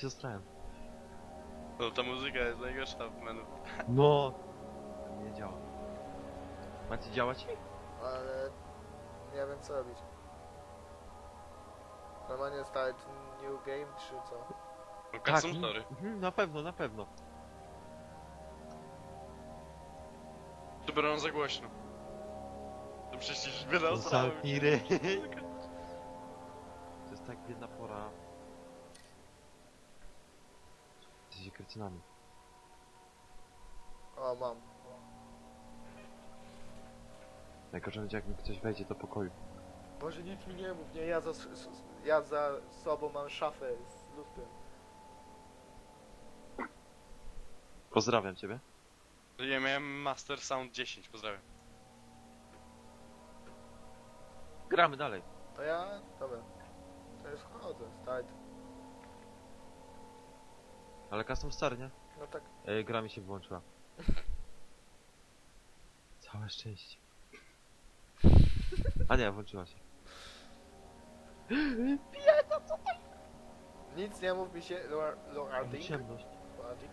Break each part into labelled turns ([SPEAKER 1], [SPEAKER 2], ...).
[SPEAKER 1] się zastrałem.
[SPEAKER 2] No ta muzyka jest najgorsza w menu.
[SPEAKER 1] No! Nie działa. Macie działać?
[SPEAKER 3] Ale nie wiem co robić. Normalnie start new game czy co?
[SPEAKER 2] No custom story.
[SPEAKER 1] Na pewno, na pewno.
[SPEAKER 2] Super, on za głośno. To przecież wydał
[SPEAKER 1] Zamknij ryj. To jest tak biedna pora. Jesteście kretynami.
[SPEAKER 3] O, mam.
[SPEAKER 1] Najgorzej będzie jak mi ktoś wejdzie do pokoju.
[SPEAKER 3] Boże, nic mi nie mów, nie, ja za sobą mam szafę z lustrem.
[SPEAKER 1] Pozdrawiam ciebie.
[SPEAKER 2] Ja miałem Master Sound 10, pozdrawiam.
[SPEAKER 1] Gramy dalej.
[SPEAKER 3] To ja? Dobra. To już wchodzę, start.
[SPEAKER 1] Ale custom star, nie?
[SPEAKER 3] No tak.
[SPEAKER 1] Gra mi się wyłączyła. Całe szczęście. A nie, włączyła się.
[SPEAKER 3] Nic nie mów mi się, Lorarding.
[SPEAKER 1] Ciemność.
[SPEAKER 3] Lorarding.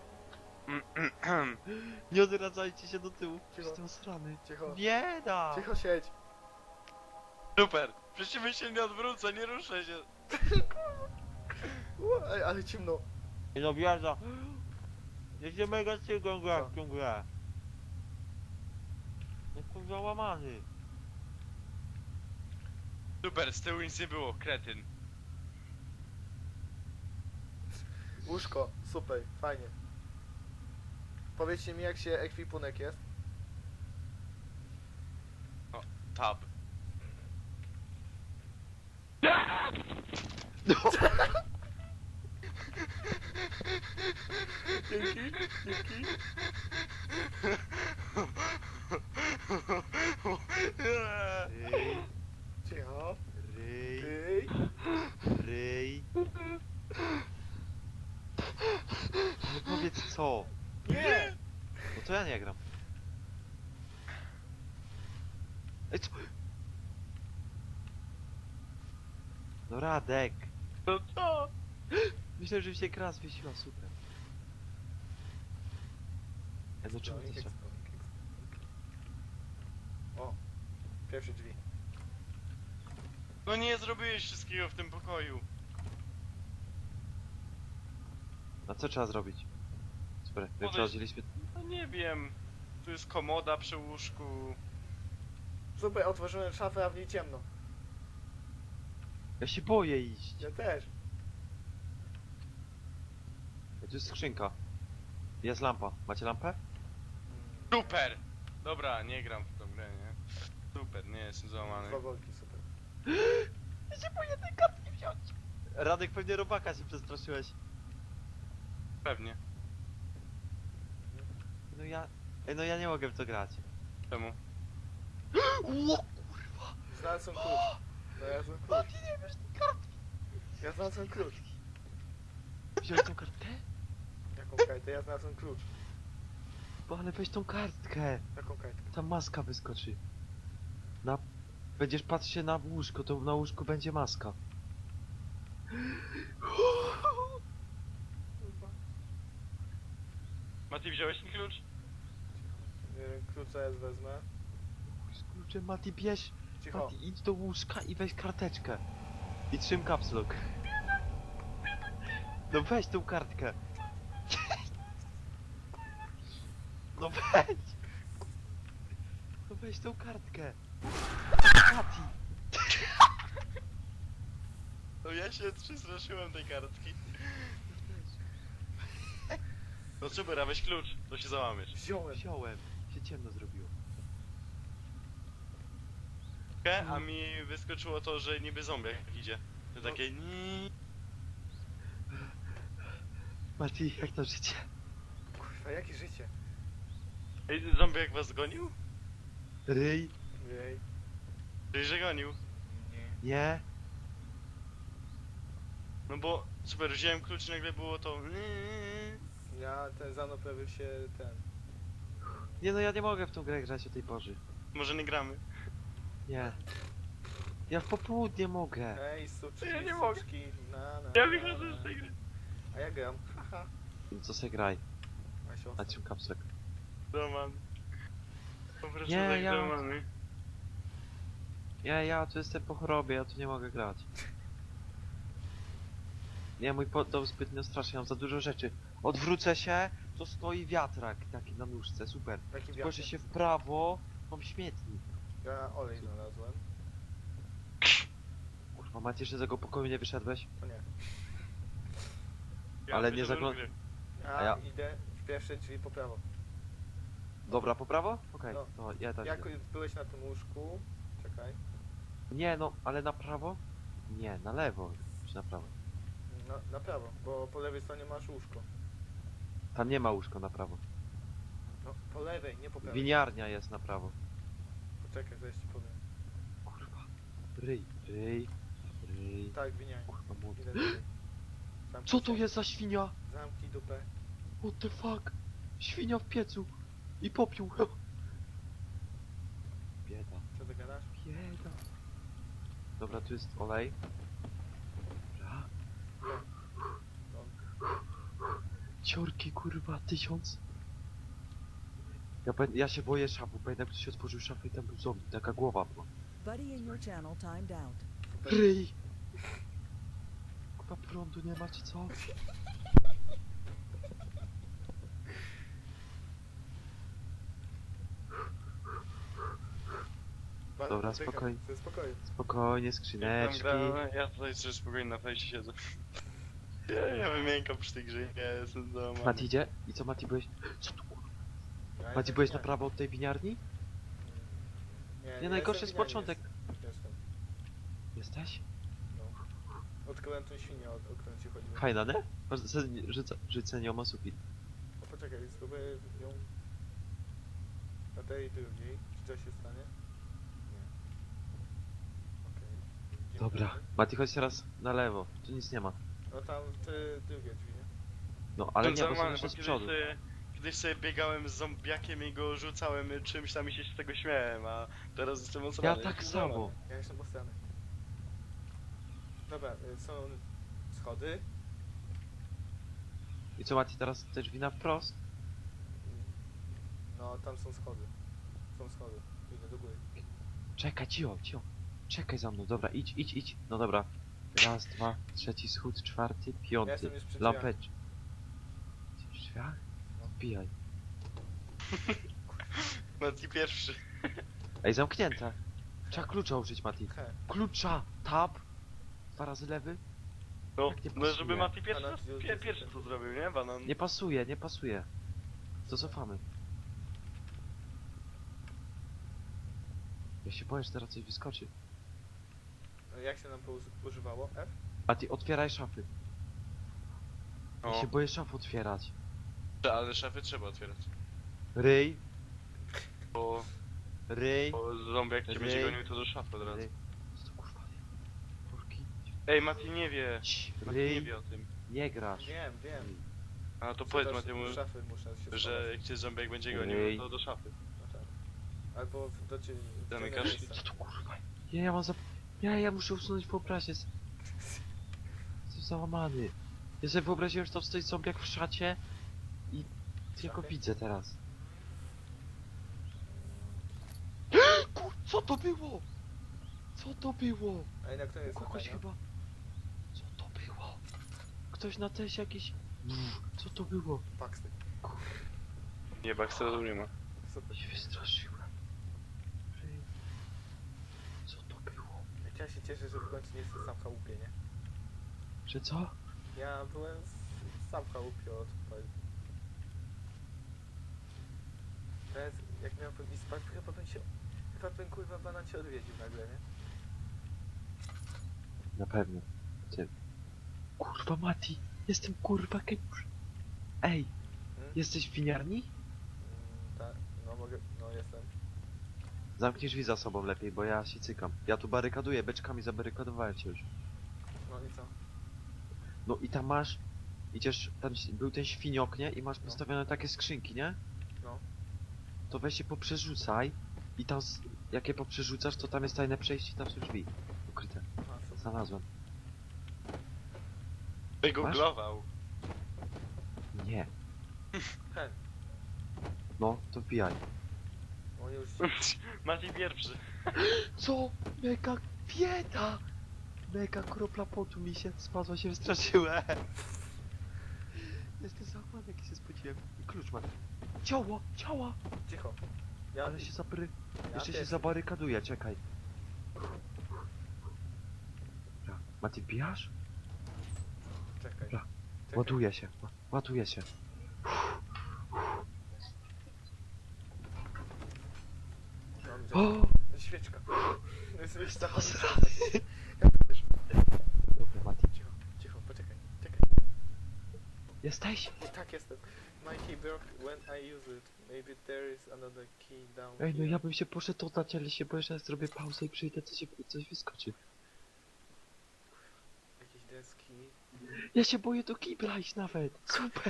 [SPEAKER 1] Nie odradzajcie się do tyłu.
[SPEAKER 3] Cicho.
[SPEAKER 1] Jestem srany.
[SPEAKER 3] Cicho.
[SPEAKER 1] Bieda!
[SPEAKER 3] Cicho siedź.
[SPEAKER 2] Super! Przeciwnie się nie odwrócę, nie ruszę się.
[SPEAKER 3] Ej, ale ciemno.
[SPEAKER 1] No bieda. Jedzie mega cięgłą grę w tą grę. Jestem załamany.
[SPEAKER 2] Super, z tyłu nic nie było, kretyn.
[SPEAKER 3] Łóżko, super, fajnie. Powiedzcie mi jak się ekwipunek jest.
[SPEAKER 2] Tab.
[SPEAKER 3] Dzięki, dzięki.
[SPEAKER 1] Ryj,
[SPEAKER 3] Cicho.
[SPEAKER 1] ryj,
[SPEAKER 3] Ej.
[SPEAKER 1] ryj. No powiedz co?
[SPEAKER 3] Nie!
[SPEAKER 1] No to ja nie gram. Ej co? No Radek.
[SPEAKER 2] No co?
[SPEAKER 1] Myślę, że mi się gra zwiesiła, super. Ej, no czemu to trzeba?
[SPEAKER 3] O, pierwsze drzwi.
[SPEAKER 2] No nie zrobiłeś wszystkiego w tym pokoju.
[SPEAKER 1] A co trzeba zrobić? Super,
[SPEAKER 2] Podejść-
[SPEAKER 1] przechodziliśmy.
[SPEAKER 2] No nie wiem. Tu jest komoda przy łóżku.
[SPEAKER 3] Super, otworzyłem szafę, a w niej ciemno.
[SPEAKER 1] Ja się boję iść.
[SPEAKER 3] Ja też.
[SPEAKER 1] Tu jest skrzynka. Jest lampa. Macie lampę?
[SPEAKER 2] Super! Dobra, nie gram w tą grę, nie? Super, nie jestem załamany.
[SPEAKER 3] Dwa worki, super.
[SPEAKER 1] Ja się boję tej kartki wziąć. Radek, pewnie robaka się przestraszyłeś.
[SPEAKER 2] Pewnie.
[SPEAKER 1] No ja... Ej, no ja nie mogę w to grać.
[SPEAKER 2] Czemu?
[SPEAKER 1] Ło!
[SPEAKER 3] Znalazłem klucz. Znalazłem klucz.
[SPEAKER 1] Mati, nie wiesz tej kartki.
[SPEAKER 3] Ja znalazłem klucz.
[SPEAKER 1] Wziąłeś tą kartkę?
[SPEAKER 3] Jaką kartę? Ja znalazłem klucz.
[SPEAKER 1] Bo ale weź tą kartkę.
[SPEAKER 3] Jaką kartkę?
[SPEAKER 1] Ta maska wyskoczy. Na... Będziesz patrzył się na łóżko, to na łóżku będzie maska.
[SPEAKER 2] Mati, wziąłeś ten klucz?
[SPEAKER 3] Nie wiem, klucza jest wezmę.
[SPEAKER 1] Z kluczem Mati bierz.
[SPEAKER 3] Cicho.
[SPEAKER 1] Mati, idź do łóżka i weź karteczkę. I trzym caps lock. No weź tą kartkę. No weź. No weź tą kartkę. Mati.
[SPEAKER 2] No ja się przestraszyłem tej kartki. No super, a weź klucz, to się załamiesz.
[SPEAKER 3] Wziąłem.
[SPEAKER 1] Wziąłem. Się ciemno zrobiło.
[SPEAKER 2] A mi wyskoczyło to, że niby zombiak idzie. To takie ni.
[SPEAKER 1] Mati, jak to życie?
[SPEAKER 3] Kurwa, jakie życie?
[SPEAKER 2] Ej, zombiak was gonił?
[SPEAKER 1] Ryj?
[SPEAKER 3] Jej.
[SPEAKER 2] Czyli że gonił.
[SPEAKER 3] Nie.
[SPEAKER 1] Nie?
[SPEAKER 2] No bo super, wziąłem klucz i nagle było to.
[SPEAKER 3] Ja, ten Zano pojawił się ten.
[SPEAKER 1] Nie no, ja nie mogę w tą grę grać o tej porze.
[SPEAKER 2] Może nie gramy.
[SPEAKER 1] Nie. Ja w popołudnie mogę.
[SPEAKER 3] Ej, suczki,
[SPEAKER 2] Ja nie mogę.
[SPEAKER 3] suczki, na.
[SPEAKER 2] Ja wychodzę z tej gry.
[SPEAKER 3] A ja gram. Haha.
[SPEAKER 1] No co se graj?
[SPEAKER 3] A się
[SPEAKER 1] Na czym kapsek?
[SPEAKER 2] Roman. Po prostu
[SPEAKER 1] Nie,
[SPEAKER 2] tak
[SPEAKER 1] ja-
[SPEAKER 2] Romany.
[SPEAKER 1] Ja tu jestem po chorobie, ja tu nie mogę grać. Nie, mój dom zbytnio straszny, mam za dużo rzeczy. Odwrócę się, to stoi wiatrak taki na nóżce, super.
[SPEAKER 3] Jaki
[SPEAKER 1] Spojrzę
[SPEAKER 3] wiatr?
[SPEAKER 1] się w prawo, mam śmietnik.
[SPEAKER 3] Ja olej znalazłem.
[SPEAKER 1] Kurwa, Macie, że z tego pokoju nie wyszedłeś?
[SPEAKER 3] To nie.
[SPEAKER 1] Ale nie
[SPEAKER 2] wyszedłem
[SPEAKER 1] zagląd-
[SPEAKER 2] z gry.
[SPEAKER 3] Ja,
[SPEAKER 1] A ja-
[SPEAKER 3] idę w pierwsze drzwi po prawo.
[SPEAKER 1] Dobra, po prawo? Okej,
[SPEAKER 3] No.
[SPEAKER 1] no ja też
[SPEAKER 3] Jak
[SPEAKER 1] idę.
[SPEAKER 3] byłeś na tym łóżku... Czekaj.
[SPEAKER 1] Nie no, ale na prawo? Nie, na lewo, czy na prawo?
[SPEAKER 3] No, na prawo, bo po lewej stronie masz łóżko.
[SPEAKER 1] Tam nie ma łóżko na prawo.
[SPEAKER 3] No, po lewej, nie po prawej.
[SPEAKER 1] Winiarnia jest na prawo.
[SPEAKER 3] Poczekaj, zaraz ci powiem.
[SPEAKER 1] Kurwa. Ryj.
[SPEAKER 3] Tak, winiarnia.
[SPEAKER 1] Kurwa, młody.
[SPEAKER 3] Idę dalej. Zamknij
[SPEAKER 1] Co to
[SPEAKER 3] się.
[SPEAKER 1] jest za świnia?
[SPEAKER 3] Zamknij dupę.
[SPEAKER 1] What the fuck? Świnia w piecu. I popiół. Bieda.
[SPEAKER 3] Co ty gadasz?
[SPEAKER 1] Bieda. Dobra, tu jest olej. Dobra.
[SPEAKER 3] No.
[SPEAKER 1] Ciorki, kurwa, 1000. Ja się boję szafu. Pamiętam, jak ktoś otworzył szafę i tam był zombie. Taka głowa była.
[SPEAKER 4] Buddy in your channel timed out.
[SPEAKER 3] Super.
[SPEAKER 1] Ryj! Chyba prądu nie ma, czy co? Dobra,
[SPEAKER 3] Czekaj,
[SPEAKER 1] spokojnie.
[SPEAKER 3] Spokojnie.
[SPEAKER 1] Spokojnie,
[SPEAKER 2] Jak tam
[SPEAKER 1] skrzyneczki.
[SPEAKER 2] grałem, ja tutaj sobie spokojnie na fejsie siedzę. Ja wymiękam przy tej grze, ja jestem załamany.
[SPEAKER 1] Mati idzie? I co, Mati, byłeś? Co tu, kurwa?
[SPEAKER 3] Ja
[SPEAKER 1] Mati,
[SPEAKER 3] jestem
[SPEAKER 1] byłeś na
[SPEAKER 3] winiarni.
[SPEAKER 1] prawo od tej winiarni?
[SPEAKER 3] Nie,
[SPEAKER 1] najgorszy
[SPEAKER 3] jestem
[SPEAKER 1] jest
[SPEAKER 3] winiarni,
[SPEAKER 1] początek.
[SPEAKER 3] Jestem.
[SPEAKER 1] Jesteś?
[SPEAKER 3] No. Odkryłem tą świnię, o którą ci chodziło.
[SPEAKER 1] Fajna, nie? Rzucenie o sufit.
[SPEAKER 3] O, poczekaj, spróbuję ją... Na tej drugiej. Czy coś się stanie? Nie. Okej. Dzień
[SPEAKER 1] Dobra.
[SPEAKER 3] dobry.
[SPEAKER 1] Mati, chodź teraz na lewo. Tu nic nie ma.
[SPEAKER 3] No tam te drugie drzwi, nie?
[SPEAKER 1] No, ale nie, bo są
[SPEAKER 2] Załamany,
[SPEAKER 1] jeszcze z
[SPEAKER 2] kiedyś
[SPEAKER 1] przodu.
[SPEAKER 2] kiedyś sobie biegałem z zombiakiem i go rzucałem czymś tam i się z tego śmiałem, a teraz jestem
[SPEAKER 1] Ja
[SPEAKER 2] osobany.
[SPEAKER 1] tak samo.
[SPEAKER 3] Ja jestem posrany. Dobra, są schody.
[SPEAKER 1] I co, Mati, teraz te drzwi na wprost?
[SPEAKER 3] No, tam są schody. Są schody. Idę do góry.
[SPEAKER 1] Czekaj, cio. Czekaj za mną, dobra, idź. No dobra. Raz, dwa, trzeci schód, czwarty,
[SPEAKER 3] Ja
[SPEAKER 1] piąty.
[SPEAKER 3] jestem już przy drzwiach.
[SPEAKER 1] Lampecz. W drzwiach?
[SPEAKER 3] No.
[SPEAKER 1] Wbijaj.
[SPEAKER 2] Mati pierwszy.
[SPEAKER 1] Ej, zamknięte. Trzeba klucza użyć, Mati.
[SPEAKER 3] He.
[SPEAKER 1] Klucza, tab. 2 razy lewy.
[SPEAKER 2] No,
[SPEAKER 1] Jak nie
[SPEAKER 2] no
[SPEAKER 1] pasuje.
[SPEAKER 2] żeby Mati pierwszy,
[SPEAKER 3] Banan,
[SPEAKER 2] pierwszy co zrobił, nie? Banan.
[SPEAKER 1] Nie pasuje. To cofamy. Ja się boję, że teraz coś wyskoczy.
[SPEAKER 3] Jak się nam to używało? F?
[SPEAKER 1] A ty otwieraj szafy. Ja
[SPEAKER 2] O,
[SPEAKER 1] się boję szaf otwierać.
[SPEAKER 2] ale szafy trzeba otwierać.
[SPEAKER 1] Ryj.
[SPEAKER 2] Bo zombie jak cię będzie
[SPEAKER 1] Ryj.
[SPEAKER 2] gonił to do szafy od razu.
[SPEAKER 1] Ryj. Co to kurwa? Kurki.
[SPEAKER 2] Ej, Mati nie wie.
[SPEAKER 1] Cii,
[SPEAKER 2] Mati nie
[SPEAKER 1] Ryj.
[SPEAKER 2] wie o tym.
[SPEAKER 1] Nie grasz.
[SPEAKER 3] Wiem.
[SPEAKER 2] A to
[SPEAKER 3] Co
[SPEAKER 2] powiedz
[SPEAKER 3] też
[SPEAKER 2] Matiemu,
[SPEAKER 3] do szafy muszę się
[SPEAKER 2] że
[SPEAKER 3] schować.
[SPEAKER 2] jak cię zombie jak będzie
[SPEAKER 1] Ryj.
[SPEAKER 2] gonił, to do szafy.
[SPEAKER 3] No tak. Albo do ciebie.
[SPEAKER 2] Zamykasz?
[SPEAKER 1] Co to kurwa? Ja mam Ja muszę usunąć wyobraźnię. Jestem załamany. Ja sobie wyobraziłem, że tam stoi zombiak w szacie i tylko
[SPEAKER 3] Szafie?
[SPEAKER 1] widzę teraz. Co to było? Co to było?
[SPEAKER 3] A na której
[SPEAKER 1] U
[SPEAKER 3] jest
[SPEAKER 1] kogoś
[SPEAKER 3] latarnia?
[SPEAKER 1] chyba. Co to było? Ktoś na tesie jakiś. Co to było?
[SPEAKER 3] Paxty.
[SPEAKER 2] Nie, Baxtera nie ma.
[SPEAKER 3] Super.
[SPEAKER 1] Się wystraszyłem. Ryj. Co to było?
[SPEAKER 3] Jak ja się cieszę, że w końcu nie jestem sam w chałupie, nie?
[SPEAKER 1] Że co?
[SPEAKER 3] Ja byłem sam w chałupie od paru. Teraz jak miałbym iść spać, chyba bym kurwa banan cię odwiedził nagle, nie?
[SPEAKER 1] Na pewno. Ty. Kurwa Mati, jestem kurwa kępusz. Ej, jesteś w winiarni?
[SPEAKER 3] Tak, no mogę, no jestem.
[SPEAKER 1] Zamknij drzwi za sobą lepiej, bo ja się cykam. Ja tu barykaduję, beczkami zabarykadowałem się już.
[SPEAKER 3] No i co?
[SPEAKER 1] No i tam masz... Idziesz, tam był ten świniok, nie? I masz
[SPEAKER 3] No.
[SPEAKER 1] postawione takie skrzynki, nie?
[SPEAKER 3] No.
[SPEAKER 1] To weź się poprzerzucaj i tam, jak je poprzerzucasz, to tam jest tajne przejście i tam są drzwi. Ukryte.
[SPEAKER 3] A, super.
[SPEAKER 1] Znalazłem.
[SPEAKER 2] Wygooglował.
[SPEAKER 1] Nie.
[SPEAKER 3] Ten.
[SPEAKER 1] No, to wbijaj.
[SPEAKER 3] On już...
[SPEAKER 2] Maciej pierwszy.
[SPEAKER 1] Co? Mega bieda! Mega kropla potu mi się spadła, się wystraszyłem. Jestem zachłany, jaki się spodziewałem. I klucz mam. Ciało! Ciała!
[SPEAKER 3] Cicho. Ja...
[SPEAKER 1] Ale się zabry...
[SPEAKER 3] ja
[SPEAKER 1] Jeszcze się
[SPEAKER 3] też.
[SPEAKER 1] zabarykaduje, czekaj. Dobra, Mati, wbijasz?
[SPEAKER 3] Czekaj.
[SPEAKER 1] Dobra.
[SPEAKER 3] Czekaj.
[SPEAKER 1] Ładuje się, ładuje się.
[SPEAKER 3] Mam
[SPEAKER 1] O!
[SPEAKER 3] świeczka. Jest za
[SPEAKER 1] Posrany.
[SPEAKER 3] Ja też.
[SPEAKER 1] Dobra, Mati.
[SPEAKER 3] Cicho, cicho, poczekaj. Czekaj.
[SPEAKER 1] Jesteś?
[SPEAKER 3] Tak jestem. My key broke when I use it. Maybe there is another key down
[SPEAKER 1] Ej, no
[SPEAKER 3] here.
[SPEAKER 1] ja bym się poszedł oddać, ale się boję, że zrobię pauzę i przyjdę, coś wyskoczy.
[SPEAKER 3] Jakieś deski.
[SPEAKER 1] Ja się boję do kibla iść nawet. Super.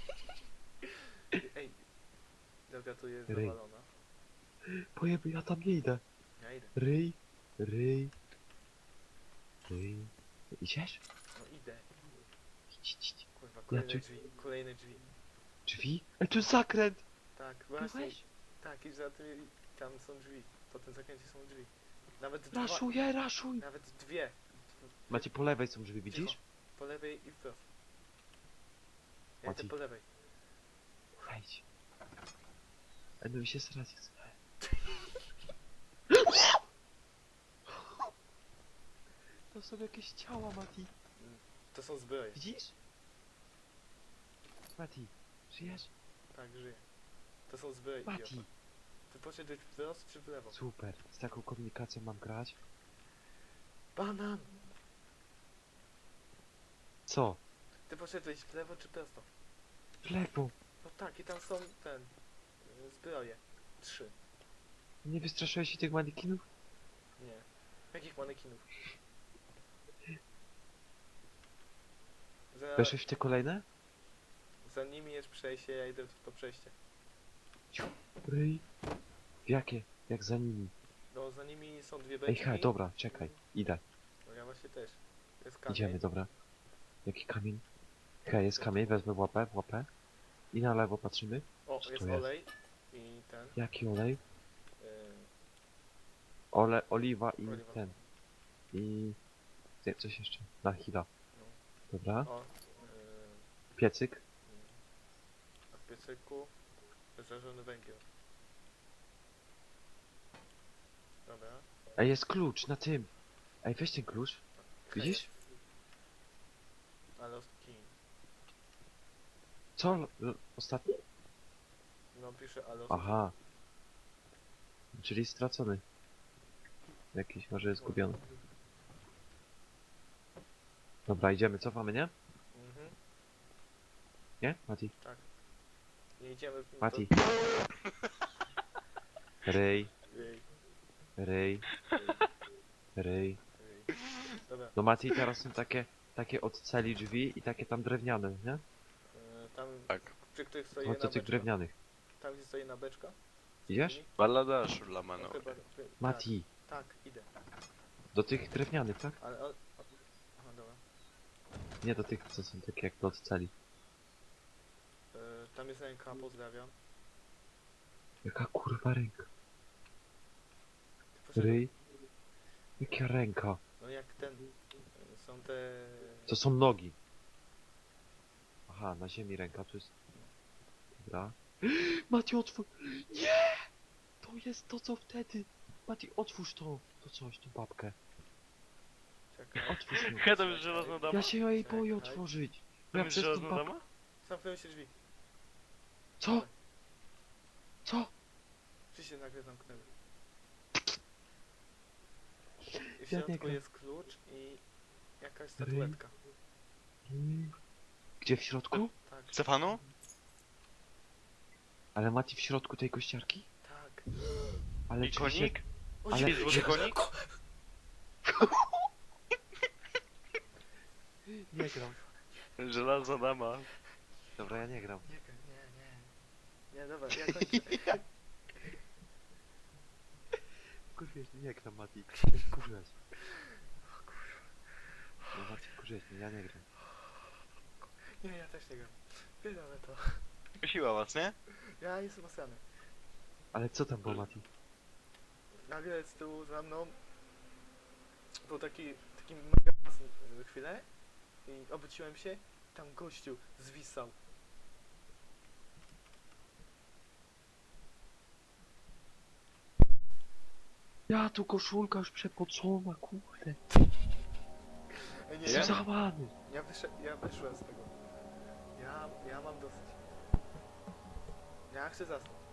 [SPEAKER 3] Ej. Droga tu jest
[SPEAKER 1] Ryj.
[SPEAKER 3] zawalona.
[SPEAKER 1] Boję, ja tam nie idę.
[SPEAKER 3] Ja idę.
[SPEAKER 1] Ryj, ryj, ryj. Idziesz?
[SPEAKER 3] No idę.
[SPEAKER 1] Idź, idź, idź.
[SPEAKER 3] Kurwa, kolejne
[SPEAKER 1] czy-
[SPEAKER 3] drzwi. Kolejne drzwi.
[SPEAKER 1] Drzwi? Ej, tu jest zakręt!
[SPEAKER 3] Tak, właśnie.
[SPEAKER 1] Byłeś?
[SPEAKER 3] Tak, i za tymi... Tam są drzwi. Po tym zakręcie są drzwi. Nawet dwa.
[SPEAKER 1] Raszuję, raszuj!
[SPEAKER 3] Nawet dwie.
[SPEAKER 1] Macie po lewej są drzwi, widzisz?
[SPEAKER 3] Po lewej i wprost. Ja
[SPEAKER 1] Mati.
[SPEAKER 3] idę po lewej.
[SPEAKER 1] Wejdź. Ej, no mi się srać chce. To są jakieś ciała, Mati.
[SPEAKER 3] To są zbroje.
[SPEAKER 1] Widzisz? Mati, żyjesz?
[SPEAKER 3] Tak, żyję. To są zbroje.
[SPEAKER 1] Mati!
[SPEAKER 3] idiota. Ty poszedłeś wprost czy w lewo?
[SPEAKER 1] Super, z taką komunikacją mam grać.
[SPEAKER 3] Banan!
[SPEAKER 1] Co?
[SPEAKER 3] Ty poszedłeś w lewo czy prosto?
[SPEAKER 1] W lewo.
[SPEAKER 3] No tak, i tam są zbroje. 3.
[SPEAKER 1] Nie wystraszyłeś się tych manekinów?
[SPEAKER 3] Nie. Jakich manekinów?
[SPEAKER 1] Weszłeś w te kolejne?
[SPEAKER 3] Za nimi jest przejście, ja idę w to przejście.
[SPEAKER 1] Ryj. W jakie? Jak za nimi?
[SPEAKER 3] No za nimi są dwie
[SPEAKER 1] Ej,
[SPEAKER 3] beczki.
[SPEAKER 1] he, dobra, czekaj. Idę.
[SPEAKER 3] No ja właśnie też. Jest kamień.
[SPEAKER 1] Idziemy, dobra. Jaki kamień? He, jest kamień, wezmę łapę, łapę. I na lewo patrzymy.
[SPEAKER 3] O,
[SPEAKER 1] Co
[SPEAKER 3] jest
[SPEAKER 1] to jest?
[SPEAKER 3] olej. I ten.
[SPEAKER 1] Jaki olej?
[SPEAKER 3] Yy,
[SPEAKER 1] Oliwa i
[SPEAKER 3] Oliwa.
[SPEAKER 1] ten. I... Coś jeszcze. Na chwila.
[SPEAKER 3] No.
[SPEAKER 1] Dobra.
[SPEAKER 3] o.
[SPEAKER 1] Piecyk.
[SPEAKER 3] A w piecyku zażony węgiel. Dobra.
[SPEAKER 1] Ej, jest klucz na tym. Ej, weź ten klucz. Widzisz?
[SPEAKER 3] A lost key.
[SPEAKER 1] Co? Ostatni?
[SPEAKER 3] No pisze a lost
[SPEAKER 1] Aha. Czyli stracony. Jakiś może jest zgubiony. Dobra, idziemy, cofamy, nie?
[SPEAKER 3] Mhm.
[SPEAKER 1] Nie? Mati?
[SPEAKER 3] Nie idziemy w
[SPEAKER 1] Mati.
[SPEAKER 3] to-
[SPEAKER 1] Ryj,
[SPEAKER 3] Ej,
[SPEAKER 1] ryj, ryj.
[SPEAKER 3] ej. Dobra.
[SPEAKER 1] No Mati, teraz są takie od celi drzwi i takie tam drewniane, nie?
[SPEAKER 3] Tam
[SPEAKER 2] Tak.
[SPEAKER 3] przy których stoi
[SPEAKER 1] Chodź
[SPEAKER 3] jedna
[SPEAKER 1] do tych
[SPEAKER 3] beczka.
[SPEAKER 1] drewnianych.
[SPEAKER 3] Tam gdzie stoi jedna beczka.
[SPEAKER 1] Idziesz?
[SPEAKER 2] Baladasz dla
[SPEAKER 3] No,
[SPEAKER 2] mano.
[SPEAKER 3] chyba,
[SPEAKER 1] Mati,
[SPEAKER 3] Tak, idę.
[SPEAKER 1] do tych drewnianych, tak?
[SPEAKER 3] Ale... Aha, dobra.
[SPEAKER 1] Nie do tych, co są takie jak od celi.
[SPEAKER 3] Tam jest ręka, pozdrawiam.
[SPEAKER 1] Jaka kurwa ręka?
[SPEAKER 3] Ty poszedłeś-
[SPEAKER 1] Ryj? Jaka ręka?
[SPEAKER 3] No jak ten... Są te...
[SPEAKER 1] To są nogi. Aha, na ziemi ręka, tu jest... Dobra. Mati, otwórz! Nie! To jest to, co wtedy. Mati, otwórz to coś, tą babkę.
[SPEAKER 3] Czekaj.
[SPEAKER 1] Otwórz ją.
[SPEAKER 2] Hej, tam jest żelazna dama?
[SPEAKER 1] Ja się jej boję
[SPEAKER 3] Czekaj.
[SPEAKER 1] otworzyć.
[SPEAKER 2] Tam
[SPEAKER 1] Ja
[SPEAKER 2] jest
[SPEAKER 1] przez tą
[SPEAKER 2] żelazna
[SPEAKER 1] babkę...
[SPEAKER 2] dama?
[SPEAKER 3] Zamknęły się drzwi.
[SPEAKER 1] Co? Co?
[SPEAKER 3] Drzwi się nagle zamknęły. I w
[SPEAKER 1] Ja nie
[SPEAKER 3] środku
[SPEAKER 1] gram.
[SPEAKER 3] jest klucz i jakaś statuetka.
[SPEAKER 1] Gdzie w środku?
[SPEAKER 3] Tak,
[SPEAKER 2] Stefanu?
[SPEAKER 1] Ale Mati w środku tej kościarki?
[SPEAKER 3] tak.
[SPEAKER 1] Ale
[SPEAKER 2] I
[SPEAKER 1] drzwi się...
[SPEAKER 2] konik?
[SPEAKER 3] O,
[SPEAKER 1] Ale-
[SPEAKER 3] Jezu,
[SPEAKER 2] Złoty konik?
[SPEAKER 1] Nie gram.
[SPEAKER 2] Żelazna dama.
[SPEAKER 1] Dobra, ja nie gram.
[SPEAKER 3] Nie, nie, dobra, ja kończę.
[SPEAKER 1] Kurwiesz, nie gram, Mati. Kurwiesz. No Mati, kurwiesz mnie, ja nie gram.
[SPEAKER 3] Nie, ja też nie gram. Wydamy to.
[SPEAKER 2] Prosiła was, nie?
[SPEAKER 3] Ja jestem osrany.
[SPEAKER 1] Ale co tam było, Mati?
[SPEAKER 3] Nagle z tyłu za mną był taki mega chwilę i obróciłem się, tam gościu zwisał.
[SPEAKER 1] Ja tu koszulka już przepocona, kurde.
[SPEAKER 3] Ej, nie,
[SPEAKER 1] Jestem
[SPEAKER 2] Ja?
[SPEAKER 1] załamany.
[SPEAKER 3] ja wyszłem z tego. Ja mam dosyć. Ja chcę zasnąć.